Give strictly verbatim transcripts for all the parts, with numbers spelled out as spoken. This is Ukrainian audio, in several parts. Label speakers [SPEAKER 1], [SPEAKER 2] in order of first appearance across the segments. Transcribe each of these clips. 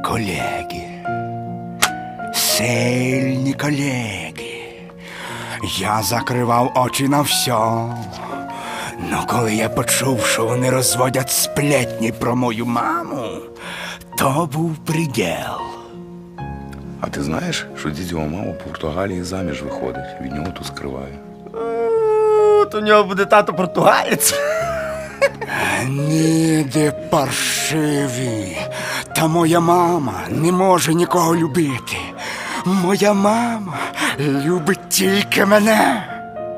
[SPEAKER 1] колеги. Сильні колеги. Я закривав очі на все. Но коли я почув, що вони розводять сплетні про мою маму, то був приділ.
[SPEAKER 2] А ти знаєш, що дідьова мама в Португалії заміж виходить, від нього тут скриває.
[SPEAKER 3] То у нього буде тато португалець.
[SPEAKER 1] Ніде паршиві. Та моя мама не може нікого любити. Моя мама любить тільки мене.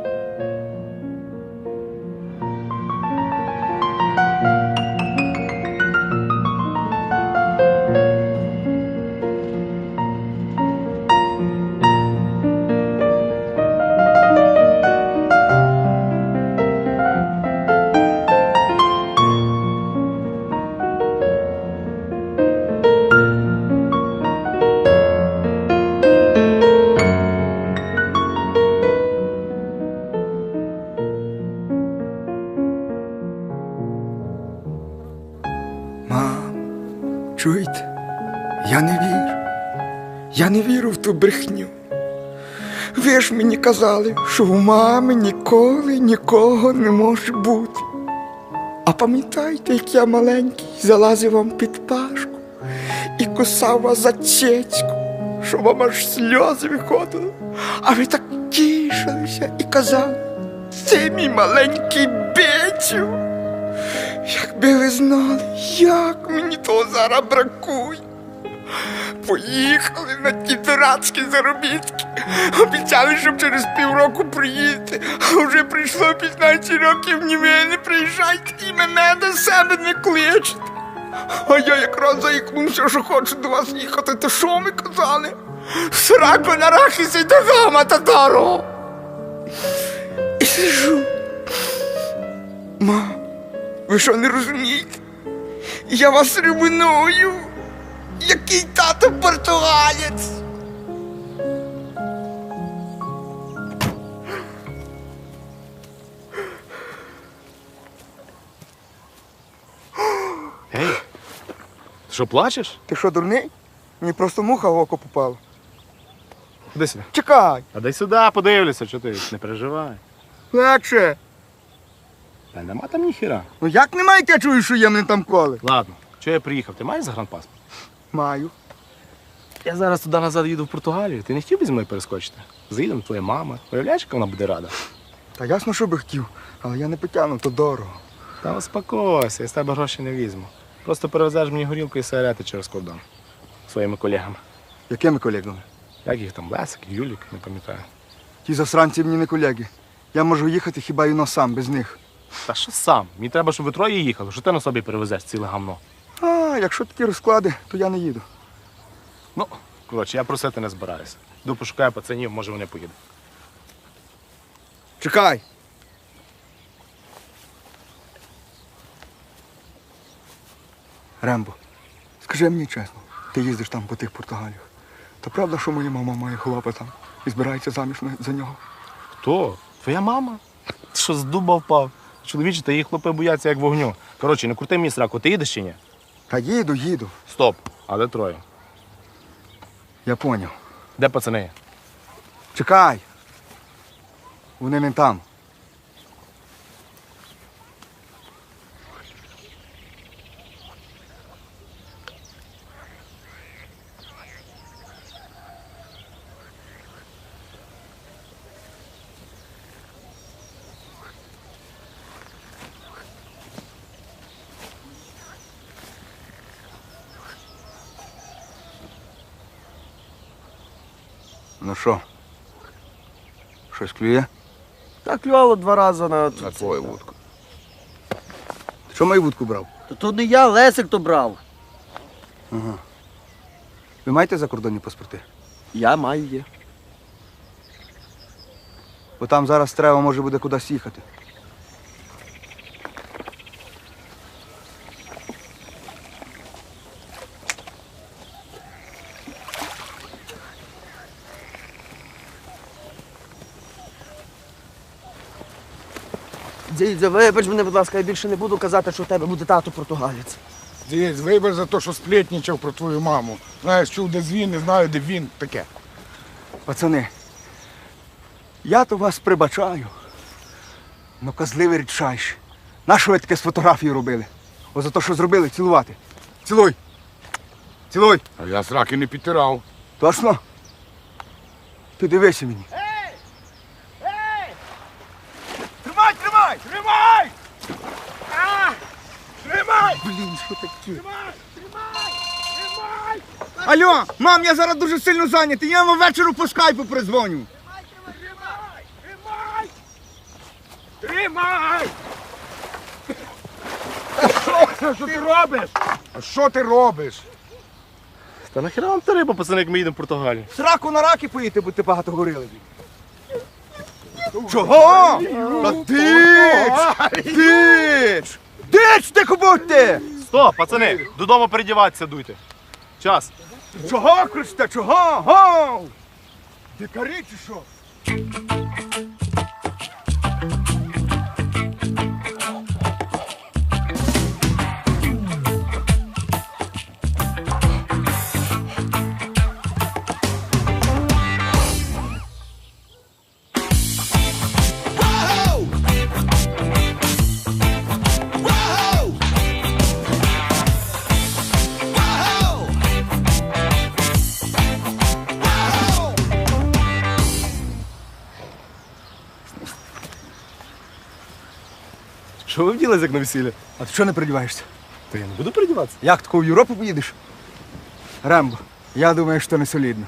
[SPEAKER 1] Мам, чуєте? Я не вірю. Я не вірю в ту брехню. Ви ж мені казали, що у мами ніколи нікого не може бути. А пам'ятаєте, як я маленький залазив вам під пашку і кусав вас за цецьку, що вам аж сльози виходили, а ви так тішилися і казали: це мій маленький Бетю. Якби ви знали, як мені того зараз бракує. Поїхали на ті дурацькі заробітки. Обіцяли, щоб через півроку приїдете. А вже прийшло п'ятнадцять років, ні ви не приїжджайте і мене до себе не кличете. А я якраз заїкнувся, що хочу до вас їхати. То що ми казали? Сраку на рахісі до гама татаро. І сижу. Мам, ви що не розумієте? Я вас ревную. Який тато португалець?
[SPEAKER 3] Ей, ти що, плачеш?
[SPEAKER 1] Ти що, дурний? Мені просто муха в око попала.
[SPEAKER 3] Куди сюди?
[SPEAKER 1] Чекай!
[SPEAKER 3] А дай сюди, подивлюся, що ти, не переживай.
[SPEAKER 1] Легше.
[SPEAKER 3] Та нема там ніхіра.
[SPEAKER 1] Ну як немає, як я чую, що є мене там коли?
[SPEAKER 3] Ладно, чого я приїхав? Ти маєш загранпаспорт?
[SPEAKER 1] Маю.
[SPEAKER 3] Я зараз туди назад їду в Португалію. Ти не хотів би зі мною перескочити? Заїдемо, твоя мама. Уявляєш, яка вона буде рада?
[SPEAKER 1] Та ясно, що би хотів, але я не потягну, то дорого.
[SPEAKER 3] Та успокойся, я з тебе гроші не візьму. Просто перевезеш мені горілку і сигарети через кордон. Своїми колегами.
[SPEAKER 1] Якими колегами?
[SPEAKER 3] Як їх там, Лесик, Юлік, не пам'ятаю.
[SPEAKER 1] Ті засранці мені не колеги. Я можу їхати хіба й но сам, без них.
[SPEAKER 3] Та що сам? Мені треба, щоб ви троє їхали. Що ти на собі перевезеш ціле гамно?
[SPEAKER 1] А, якщо такі розклади, то я не їду.
[SPEAKER 3] Ну, коротше, я просити не збираюся. Йду пошукаю пацанів, може вони поїдуть.
[SPEAKER 1] Чекай! Рембо, скажи мені чесно, ти їздиш там по тих Португаліях. Та правда, що моя мама має хлопа там і збирається заміж за нього?
[SPEAKER 3] Хто? Твоя мама? Ти що, з дуба впав? Чоловічі та її хлопи бояться як вогню. Коротше, не крути мені сраку, ти їдеш чи ні?
[SPEAKER 1] Та їду, їду.
[SPEAKER 3] Стоп. А де троє?
[SPEAKER 1] Я поняв.
[SPEAKER 3] Де пацани?
[SPEAKER 1] Чекай! Вони не там. Ну що? Щось клює?
[SPEAKER 4] Так клювало два рази на...
[SPEAKER 2] На твою вудку.
[SPEAKER 1] Ти що мою вудку брав?
[SPEAKER 4] То, то не я, Лесик то брав.
[SPEAKER 1] Ага. Ви маєте закордонні паспорти?
[SPEAKER 4] Я маю є.
[SPEAKER 1] Бо там зараз треба може буде кудись їхати.
[SPEAKER 4] Дідзя, вибач мене, будь ласка, я більше не буду казати, що в тебе буде тато португалець.
[SPEAKER 5] Дивись, вибір за те, що сплетничав про твою маму. Знаєш, чув, де він, не знаю, де він. Таке.
[SPEAKER 1] Пацани, я то вас прибачаю. Ну, козливий рідчайші. Нащо ви таке з фотографії робили? О, за те, що зробили, цілувати. Цілуй. Цілуй.
[SPEAKER 5] А я сраки не підтирав.
[SPEAKER 1] Точно? Ти дивися мені.
[SPEAKER 5] Ей! Ей! Тримай, тримай! Тримай! А! Тримай!
[SPEAKER 1] Блін, що таке?
[SPEAKER 5] Тримай! Тримай! Тримай!
[SPEAKER 1] Алло, мам, я зараз дуже сильно зайнятий. Я вам вечору по скайпу призвоню.
[SPEAKER 5] Тримай! Тримай! Тримай! Що, що ти робиш? А що ти робиш?
[SPEAKER 3] Та нахіра вам та риба, пацани, як ми їдемо в Португалію?
[SPEAKER 1] Сраку на раки поїти, бо ти багато говорили. Чого? Та тич! Тич! Тич, ти будьте!
[SPEAKER 3] Стоп, пацани, додому передіватися дуйте. Час.
[SPEAKER 1] Чого кричите? Чого? Гоу! Дикарі чи що?
[SPEAKER 3] Що ви вділись, як на весілля?
[SPEAKER 1] А ти чого не передіваєшся?
[SPEAKER 3] Та я не буду передіватися.
[SPEAKER 1] Як тако в Європу поїдеш? Рембо, я думаю, що не солідно.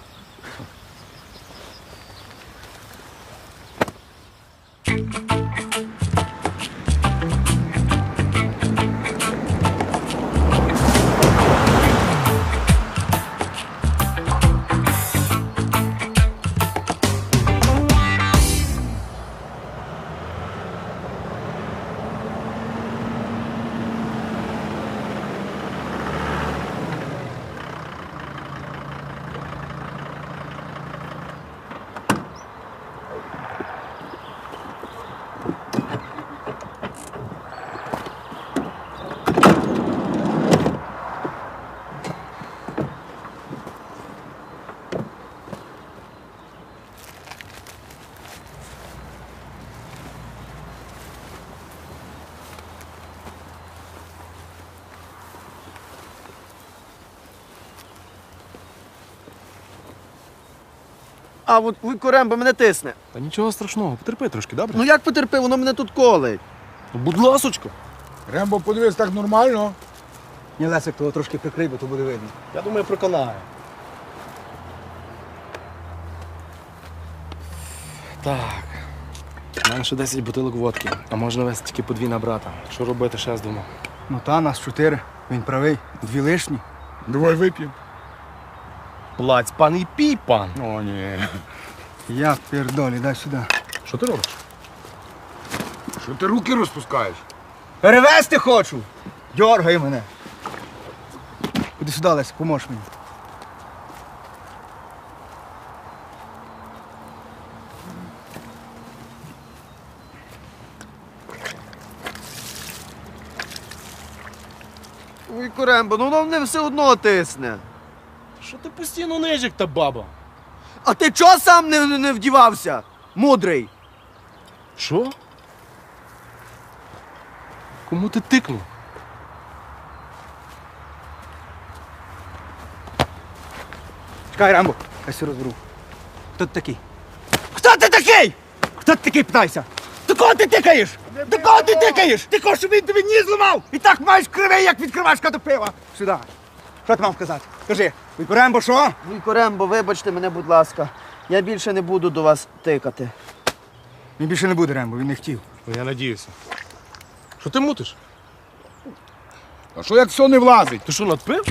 [SPEAKER 4] А от Вуйко Рембо мене тисне.
[SPEAKER 3] Та нічого страшного, потерпи трошки, добре?
[SPEAKER 4] Ну як потерпи, воно мене тут колить.
[SPEAKER 3] Ну, будь ласочка.
[SPEAKER 5] Рембо, подивись, так нормально.
[SPEAKER 1] Ні, Лесик, того трошки прикрий, бо то буде видно.
[SPEAKER 3] Я думаю, проконаю. Так. У мене ще десять бутилок водки, а можна вести тільки по дві на брата. Що робити, ще з двома?
[SPEAKER 1] Ну та, нас чотири. Він правий. Дві лишні.
[SPEAKER 5] Давай вип'ємо.
[SPEAKER 3] Плаць, пан і пій, пан.
[SPEAKER 5] О, ні.
[SPEAKER 1] Я пердолі, дай сюди.
[SPEAKER 3] Що ти робиш?
[SPEAKER 5] Що ти руки розпускаєш?
[SPEAKER 1] Перевезти хочу! Дьоргай мене. Іди сюди, Лесик, поможеш мені.
[SPEAKER 4] Вуйко Рембо, ну воно мене все одно тисне.
[SPEAKER 3] Що ти постійно нижик та баба?
[SPEAKER 4] А ти чого сам не, не, не вдівався? Мудрий.
[SPEAKER 3] Що? Кому ти тикнув?
[SPEAKER 1] Чекай, Рембо, я все розберу. Хто ти такий? Хто ти такий? Хто ти такий, питайся? До кого ти тикаєш? До кого ти тикаєш? Ти хочеш, щоб він тобі ніс зламав? І так маєш кривий, як відкривашка до пива. Сюди. Що ти мав сказати? Кажи, Вуйко Рембо, що?
[SPEAKER 4] Вуйко Рембо, вибачте мене, будь ласка. Я більше не буду до вас тикати.
[SPEAKER 1] Він більше не буде, Рембо, він не хотів.
[SPEAKER 3] Ну, я надіюся. Що ти мутиш?
[SPEAKER 5] А що як все не влазить?
[SPEAKER 3] Ти що, надпив?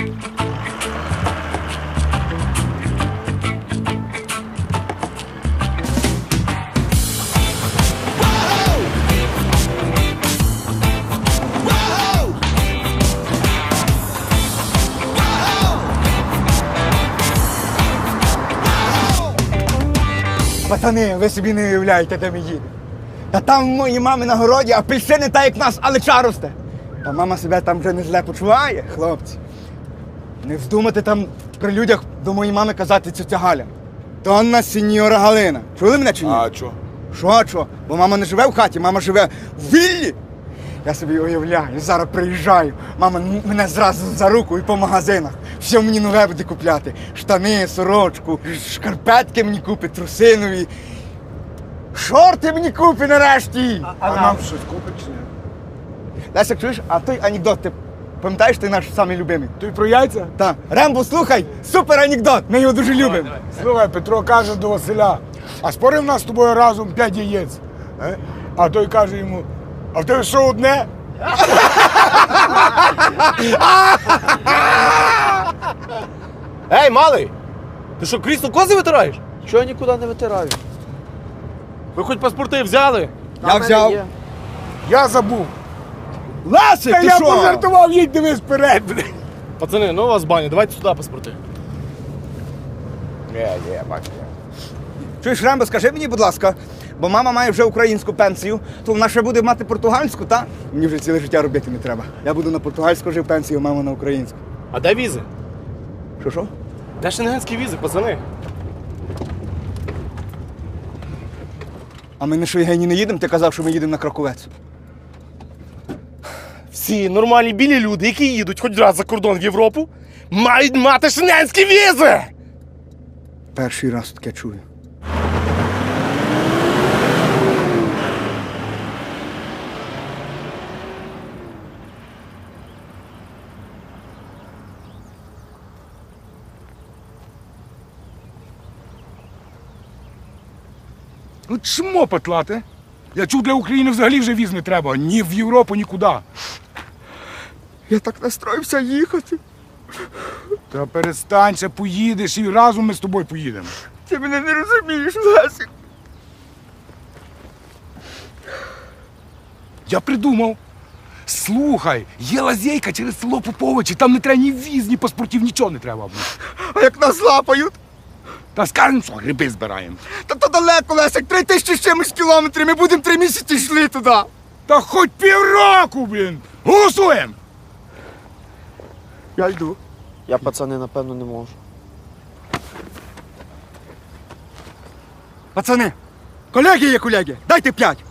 [SPEAKER 1] Пацани, ви собі не уявляєте, де ми їдемо. Та там в моїй мами на городі апельсини та як в нас алеча росте. Та мама себе там вже не зле почуває, хлопці. Не вздумайте там при людях до моєї мами казати цю Галя. Донна сеньора Галина. Чули мене чи ні?
[SPEAKER 5] А що?
[SPEAKER 1] Що, що? Бо мама не живе в хаті, мама живе в віллі. Я собі уявляю, зараз приїжджаю, мама м- мене зразу за руку і по магазинах. Все мені нове буде купляти. Штани, сорочку, шкарпетки мені купить, трусинові. Шорти мені купить нарешті.
[SPEAKER 5] А, нам щось купить чи ні?
[SPEAKER 1] Лесик, чуєш, а той анекдот, ти пам'ятаєш, ти наш самий любимий?
[SPEAKER 5] Ти про яйця?
[SPEAKER 1] Так. Рембо, слухай, супер анекдот, ми його дуже любимо.
[SPEAKER 5] Слухай, Петро каже до Василя, а спорив нас з тобою разом п'ять яєць. Е? А той каже йому, а в тебе що одне?
[SPEAKER 3] Ей, малий! Ти що, крісло кози витираєш?
[SPEAKER 4] Чого я нікуди не витираю?
[SPEAKER 3] Ви хоч паспорти взяли?
[SPEAKER 4] Та
[SPEAKER 1] Я
[SPEAKER 4] в мене
[SPEAKER 1] взяв.
[SPEAKER 4] є.
[SPEAKER 5] Я забув.
[SPEAKER 1] Лесик,
[SPEAKER 5] Та
[SPEAKER 1] ти
[SPEAKER 5] я
[SPEAKER 1] що?
[SPEAKER 5] пожартував, їдь дивись вперед.
[SPEAKER 3] Пацани, ну у вас баня, давайте сюди паспорти.
[SPEAKER 5] Є, є, бачу.
[SPEAKER 1] Чуєш, Рембо, скажи мені, будь ласка, бо мама має вже українську пенсію, то вона ще буде мати португальську, та? Мені вже ціле життя робити не треба. Я буду на португальську жив пенсію, мама на українську.
[SPEAKER 3] А де візи?
[SPEAKER 1] Що, що?
[SPEAKER 3] Де шенгенські візи, пацани?
[SPEAKER 1] А ми на Шойгені не їдемо? Ти казав, що ми їдемо на Краковець.
[SPEAKER 3] Всі нормальні білі люди, які їдуть хоч раз за кордон в Європу, мають мати шенгенські візи!
[SPEAKER 1] Перший раз таке чую.
[SPEAKER 5] Ну чмо петлати? Я чув, для України взагалі вже віз не треба. Ні в Європу, нікуди.
[SPEAKER 1] Я так настроївся їхати.
[SPEAKER 5] Та перестань, ще поїдеш і разом ми з тобою поїдемо.
[SPEAKER 1] Ти мене не розумієш, Лесик.
[SPEAKER 5] Я придумав. Слухай, є лазейка через село Поповичі, там не треба ні віз, ні паспортів, нічого не треба.
[SPEAKER 1] А як нас лапають?
[SPEAKER 5] Та скажемо, що гриби збираємо.
[SPEAKER 1] Та то далеко, Лесик, три тисячі з чимось кілометрів, ми будемо три місяці йшли туди.
[SPEAKER 5] Та хоч півроку, блін! Голосуємо!
[SPEAKER 1] Я йду.
[SPEAKER 4] Я, пацани, напевно, не можу.
[SPEAKER 1] Пацани, колеги є колеги, дайте п'ять.